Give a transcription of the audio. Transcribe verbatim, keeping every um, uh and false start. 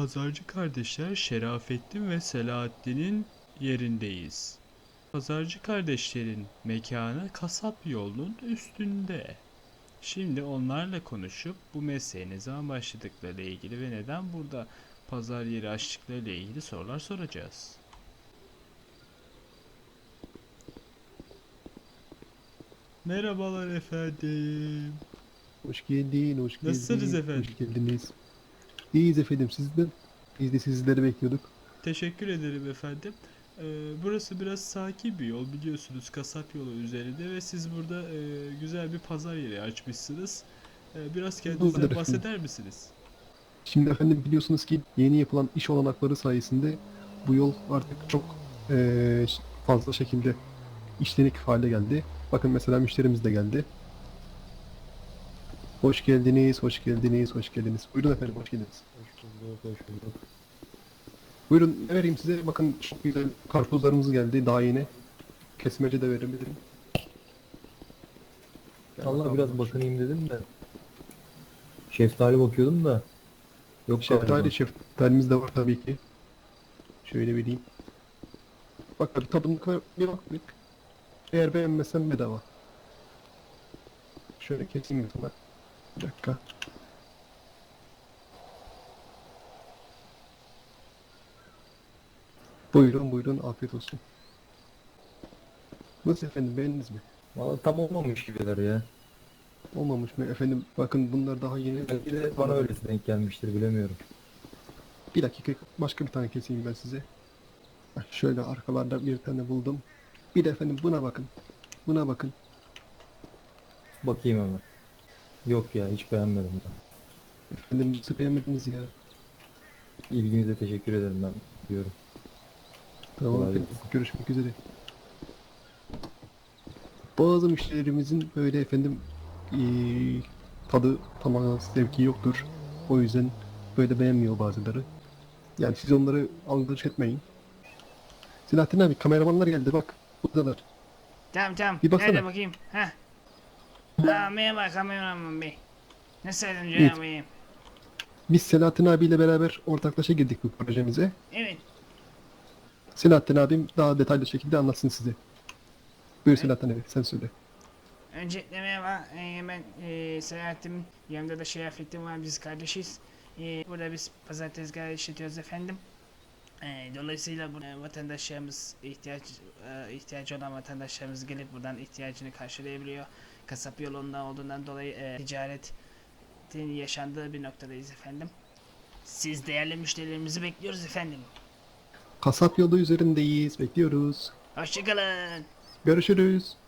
Pazarcı kardeşler Şerafettin ve Selahattin'in yerindeyiz. Pazarcı kardeşlerin mekanı kasap yolunun üstünde. Şimdi onlarla konuşup bu mesleğe ne zaman başladıklarıyla ilgili ve neden burada pazar yeri açtıklarıyla ilgili sorular soracağız. Merhabalar efendim. Hoş geldin, hoş Nasılsınız geldin, efendim? hoş geldiniz. İyiyiz efendim, sizden. Biz de sizleri bekliyorduk. Teşekkür ederim efendim. Ee, burası biraz sakin bir yol, biliyorsunuz, kasap yolu üzerinde ve siz burada e, güzel bir pazar yeri açmışsınız. Ee, biraz Doğrudur kendinizden efendim. bahseder misiniz? Şimdi efendim biliyorsunuz ki yeni yapılan iş olanakları sayesinde bu yol artık çok eee, fazla şekilde işlenik hale geldi. Bakın mesela müşterimiz de geldi. Hoş geldiniz, hoş geldiniz, hoş geldiniz. Buyurun efendim, hoş geldiniz. Hoş bulduk, hoş bulduk. Buyurun ne vereyim size? Bakın çok güzel karpuzlarımız geldi daha yeni. Kesmece de verebilirim. Gel Allah bakalım, biraz bak bakınayım dedim de. Şeftali bakıyordum da. Yok Şeftali, galiba. şeftalimiz de var tabii ki. Şöyle vereyim. Bak bir tadımlık bir bak bir. Eğer beğenmezsen bedava. Şöyle keseyim sana. Bir dakika. Buyurun buyurun afiyet olsun. Nasıl efendim beğendiniz mi? Valla tam olmamış gibiler ya. Olmamış mı efendim? Bakın bunlar daha yeni. Belki de bana öylesi denk gelmiştir bilemiyorum. Bir dakika başka bir tane keseyim ben size. Bak şöyle arkalarda bir tane buldum. Bir de efendim buna bakın. Buna bakın. Bakayım hemen. Yok ya hiç beğenmedim ben. Efendim nasıl beğenmediniz ya? İlginize teşekkür ederim ben diyorum. Tamam Kolay efendim gelsin. görüşmek üzere. Bazı müşterilerimizin böyle efendim eee, tadı tamamen zevki yoktur. O yüzden böyle beğenmiyor bazıları. Yani siz onları algılaş etmeyin. Selahattin abi kameramanlar geldi bak. Buradalar. Tamam tamam. Bir baksana. Nerede bakayım? Heh. Aa, merhaba kameraman bey. Nasıl yardımcı Evet. olamayayım? Biz Selahattin abiyle beraber ortaklaşa girdik bu projemize. Evet. Selahattin abim daha detaylı şekilde anlatsın size. Buyur Evet. Selahattin abi sen söyle. Öncelikle merhaba. Ee, ben e, Selahattin. Yanımda da Şerafettin var. Biz kardeşiz. Ee, burada biz pazar tezgahı işletiyoruz efendim. Ee, dolayısıyla bu e, vatandaşlarımız ihtiyaç e, ihtiyacı olan vatandaşlarımız gelip buradan ihtiyacını karşılayabiliyor. Kasap yolunda olduğundan dolayı e, ticaretin yaşandığı bir noktadayız efendim. Siz değerli müşterilerimizi bekliyoruz efendim. Kasap yolu üzerindeyiz. Bekliyoruz. Hoşçakalın. Görüşürüz.